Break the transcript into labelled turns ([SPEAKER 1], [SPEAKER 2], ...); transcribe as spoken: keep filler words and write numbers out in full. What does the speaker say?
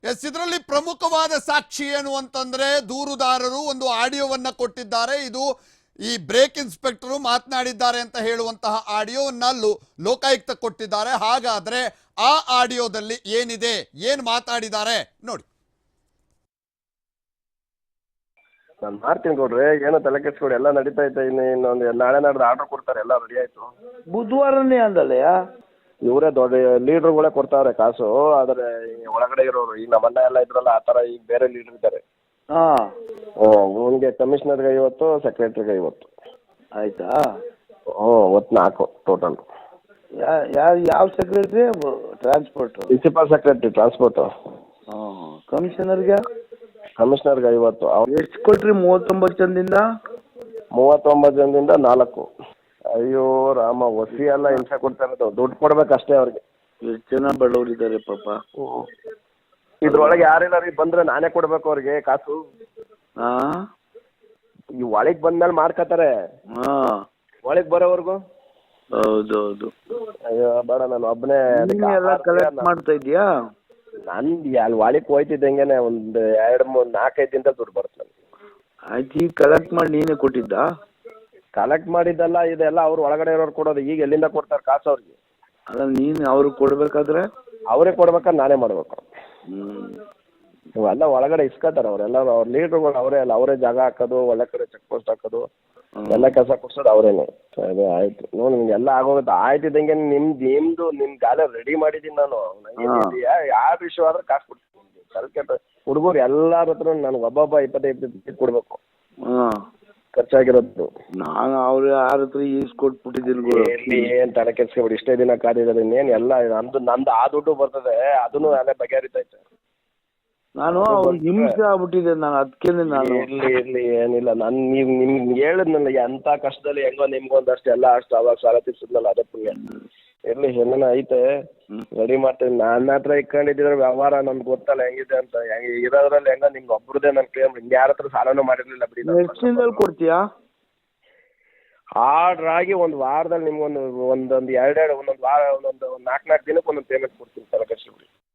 [SPEAKER 1] S ಇದರಲ್ಲಿ ಪ್ರಮುಖವಾದ ಸಾಕ್ಷಿ ಏನು ಅಂತಂದ್ರೆ ದೂರುದಾರರು ಒಂದು ಆಡಿಯೋವನ್ನ ಕೊಟ್ಟಿದ್ದಾರೆ. ಇದು ಈ ಬ್ರೇಕ್ ಇನ್ಸ್ಪೆಕ್ಟರ್ ಮಾತನಾಡಿದ್ದಾರೆ ಅಂತ ಹೇಳುವಂತಹ ಆಡಿಯೋವನ್ನ ಲೋಕಾಯುಕ್ತ ಕೊಟ್ಟಿದ್ದಾರೆ. ಹಾಗಾದ್ರೆ ಆ ಆಡಿಯೋದಲ್ಲಿ ಏನಿದೆ, ಏನು ಮಾತಾಡಿದ್ದಾರೆ ನೋಡಿ.
[SPEAKER 2] ನಾನು ಮಾಡ್ತೀನಿ ಕೊಡ್ರಿ, ಏನೋ ತಲೆ ಕೆಡ್ಸ್ಕೊಡಿ, ಎಲ್ಲ ನಡೀತಾ ಐತೆ. ಇನ್ನು ಇನ್ನೊಂದು ನಾಳೆ ನಾಡ್ದು ಆರ್ಡರ್ ಕೊಡ್ತಾರೆ, ಎಲ್ಲ ರೆಡಿ ಆಯ್ತು.
[SPEAKER 3] ಬುಧವಾರನೇ ಅಂದಲ್ಲಯ್ಯ,
[SPEAKER 2] ಇವರೇ ದೊಡ್ಡ ಲೀಡ್ರುಗಳೇ ಕೊಡ್ತಾವ್ರೆ ಕಾಸು. ಆದರೆ ಒಳಗಡೆ ಇರೋರು ಈಗ ನಮ್ಮ ಅಣ್ಣ ಎಲ್ಲ ಇದ್ರಲ್ಲ, ಆ ಥರ ಈಗ ಬೇರೆ ಲೀಡ್ರ್ ಇದ್ದಾರೆ.
[SPEAKER 3] ಹಾಂ
[SPEAKER 2] ಹ್ಞೂ, ಇವನಿಗೆ ಕಮಿಷನರ್ಗೆ ಐವತ್ತು, ಸೆಕ್ರೆಟ್ರಿಗೆ ಐವತ್ತು.
[SPEAKER 3] ಆಯ್ತಾ?
[SPEAKER 2] ಹ್ಞೂ, ಒತ್ತು ನಾಲ್ಕು ಟೋಟಲ್.
[SPEAKER 3] ಯಾರು ಯಾವ secretary? Transport
[SPEAKER 2] principal secretary transport.
[SPEAKER 3] ಹಾಂ, ಕಮಿಷನರ್ಗೆ
[SPEAKER 2] ಕಮಿಷನರ್ಗೆ ಐವತ್ತು. ಅವ್ರು
[SPEAKER 3] ಎಷ್ಟು ಕೊಟ್ರಿ? ಮೂವತ್ತೊಂಬತ್ತು ಜನದಿಂದ
[SPEAKER 2] ಮೂವತ್ತೊಂಬತ್ತು ಜನದಿಂದ ನಾಲ್ಕು. ಅಯ್ಯೋ ರಾಮ, ಒಸಿ ಎಲ್ಲ ಹಿಂಸೆ ಕೊಡ್ತಾ ಇರೋದು. ದುಡ್ಡು ಕೊಡ್ಬೇಕು ಅಷ್ಟೇ ಅವ್ರಿಗೆ.
[SPEAKER 3] ಎಷ್ಟು ಜನ ಬಡವರಿದ್ದಾರೆ ಪಾಪ.
[SPEAKER 2] ಇದ್ರೊಳಗೆ ಯಾರಿಲ್ಲ ರೀ, ಬಂದ್ರೆ ನಾನೇ ಕೊಡ್ಬೇಕು ಅವ್ರಿಗೆ ಕಾಸು.
[SPEAKER 3] ಹಾಂ,
[SPEAKER 2] ಈ ಒಳಗೆ ಬಂದ್ಮೇಲೆ ಮಾಡ್ಕೋತಾರೆ,
[SPEAKER 3] ಹಾಂ
[SPEAKER 2] ಒಳಗೆ ಬರೋವರೆಗೂ.
[SPEAKER 3] ಹೌದೌದು.
[SPEAKER 2] ಅಯ್ಯೋ ಬೇಡ, ನಾನು ಒಬ್ಬನೇ
[SPEAKER 3] ಎಲ್ಲ ಕಲೆಕ್ಟ್ ಮಾಡ್ತಾ ಇದೀಯಾ?
[SPEAKER 2] ನಂದು ಅಲ್ಲಿ ಒಳಗೆ ಹೋಯ್ತಿದ್ದಂಗೆನೆ ಒಂದು ಎರಡು ಮೂರು ನಾಲ್ಕೈದು ದಿನದಲ್ಲಿ ದುಡ್ಡು ಬರುತ್ತೆ ನನಗೆ.
[SPEAKER 3] ಆಯ್ತು, ಈಗ ಕಲೆಕ್ಟ್ ಮಾಡಿ ನೀನೇ ಕೊಟ್ಟಿದ್ದ?
[SPEAKER 2] ಕಲೆಕ್ಟ್ ಮಾಡಿದ್ದಲ್ಲ, ಇದೆಲ್ಲ ಅವ್ರು ಒಳಗಡೆ ಇರೋರು ಕೊಡೋದು. ಈಗ ಎಲ್ಲಿಂದ ಕೊಡ್ತಾರೆ ಕಾಸು ಅವ್ರಿಗೆ?
[SPEAKER 3] ಅಲ್ಲ, ನೀನು ಅವ್ರಿಗೆ ಕೊಡ್ಬೇಕಾದ್ರೆ
[SPEAKER 2] ಅವರೇ ಕೊಡ್ಬೇಕಾದ್ರೆ ನಾನೇ ಮಾಡಬೇಕು.
[SPEAKER 3] ಹ್ಞೂ,
[SPEAKER 2] ಇವೆಲ್ಲ ಒಳಗಡೆ ಇಸ್ಕೊತಾರೆ ಅವರೆಲ್ಲ. ಅವ್ರ ಲೀಡ್ರುಗಳು ಅವರೇ ಅಲ್ಲ, ಅವರೇ ಜಾಗ ಹಾಕೋದು, ಒಳ್ಳೆ ಕಡೆ ಚೆಕ್ ಪೋಸ್ಟ್ ಹಾಕೋದು, ಎಲ್ಲ ಕೆಲಸ ಕೊಡ್ಸೋದು ಅವರೇನೆ. ಅದೇ ಆಯ್ತು ನೋಡಿ, ನಿಮ್ಗೆ ಎಲ್ಲ ಆಗೋಗುತ್ತೆ. ಆಯ್ತಿದ್ದಂಗೆ ನಿಮ್ದು ನಿಮ್ದು ನಿಮ್ ಗಾಲೆ ರೆಡಿ ಮಾಡಿದ್ದೀನಿ ನಾನು. ಯಾವ ವಿಷಯ ಆದ್ರೆ ಕಾಸು ಕೊಡ್ತೀನಿ. ಸ್ವಲ್ಪ ಹುಡುಗರು ಎಲ್ಲಾರ ಹತ್ರ ನನಗೆ ಒಬ್ಬೊಬ್ಬ ಇಪ್ಪತ್ತೈದು ಇಪ್ಪತ್ತು ಕೊಡ್ಬೇಕು.
[SPEAKER 3] ಹಾಂ,
[SPEAKER 2] ಖರ್ಚಾಗಿರೋದು.
[SPEAKER 3] ನಾನು ಅವ್ರ ಯಾರ ಹತ್ರ ಈಸ್ಕೊಟ್ಬಿಟ್ಟಿದ್ದೀನಿ.
[SPEAKER 2] ಎಲ್ಲಿ ಏನು ತಲೆ ಕೆಡ್ಸ್ಕೊಬಿಡಿ, ಇಷ್ಟೇ ದಿನ ಕಾದಿರೋದು. ಇನ್ನೇನು ಎಲ್ಲ ನಮ್ದು ನಂದು ಆ ದುಡ್ಡು ಬರ್ತದೆ, ಅದನ್ನು ಅಲ್ಲೇ ಬಗೆಹರಿತೈತೆ.
[SPEAKER 3] ನಾನು ಅವ್ರಿಗೆ ಹಿಂಸೆ ಆಗ್ಬಿಟ್ಟಿದೆ, ನಾನು ಅದಕ್ಕೇನೆ ನಾನು
[SPEAKER 2] ಇರ್ಲಿ ಇರ್ಲಿ ಏನಿಲ್ಲ. ನಾನು ನೀವು ನಿಮ್ಗೆ ಹೇಳಿದ್ನಲ್ಲ, ಎಂಥ ಕಷ್ಟದಲ್ಲಿ ಹೆಂಗೋ ನಿಮ್ಗೊಂದಷ್ಟು ಎಲ್ಲ ಅಷ್ಟು ಅವಾಗ ಸಾಲ ತೀರ್ಸಿದ್ನಲ್ಲ, ಅದೇ ಪುಣ್ಯ. ಇರ್ಲಿ, ಏನೇನೋ ಐತೆ, ರೆಡಿ ಮಾಡ್ತೀನಿ. ನನ್ನ ಹತ್ರ ಇಟ್ಕೊಂಡಿದ್ರೆ ವ್ಯವಹಾರ ನಮ್ಗೆ ಗೊತ್ತಲ್ಲ ಹೆಂಗಿದೆ ಅಂತ. ಹೆಂಗೆ ಇರೋದ್ರಲ್ಲಿ ಹೆಂಗ ನಿಮ್ಗೆ ಒಬ್ರದೇ ನನ್ನ ಕ್ಲೇಮ್. ಯಾರ ಹತ್ರ ಸಾಲನೂ ಮಾಡಿರ್ಲಿಲ್ಲ ಬಿಡಿ.
[SPEAKER 3] ಎಷ್ಟು ದಿನದಲ್ಲಿ ಕೊಡ್ತೀಯಾ?
[SPEAKER 2] ಆರ್ಡ್ರ್ ಆಗಿ ಒಂದು ವಾರದಲ್ಲಿ ನಿಮ್ಗೊಂದು ಒಂದೊಂದು ಎರಡೆರಡು ಒಂದೊಂದು ವಾರ ಒಂದೊಂದು ನಾಲ್ಕು ನಾಲ್ಕು ದಿನಕ್ಕೆ ಒಂದೊಂದು ಪೇಮೆಂಟ್ ಕೊಡ್ತೀನಿ. ತಲೆ ಕೆಡ್ಸ್ಕೊಬೇಡಿ.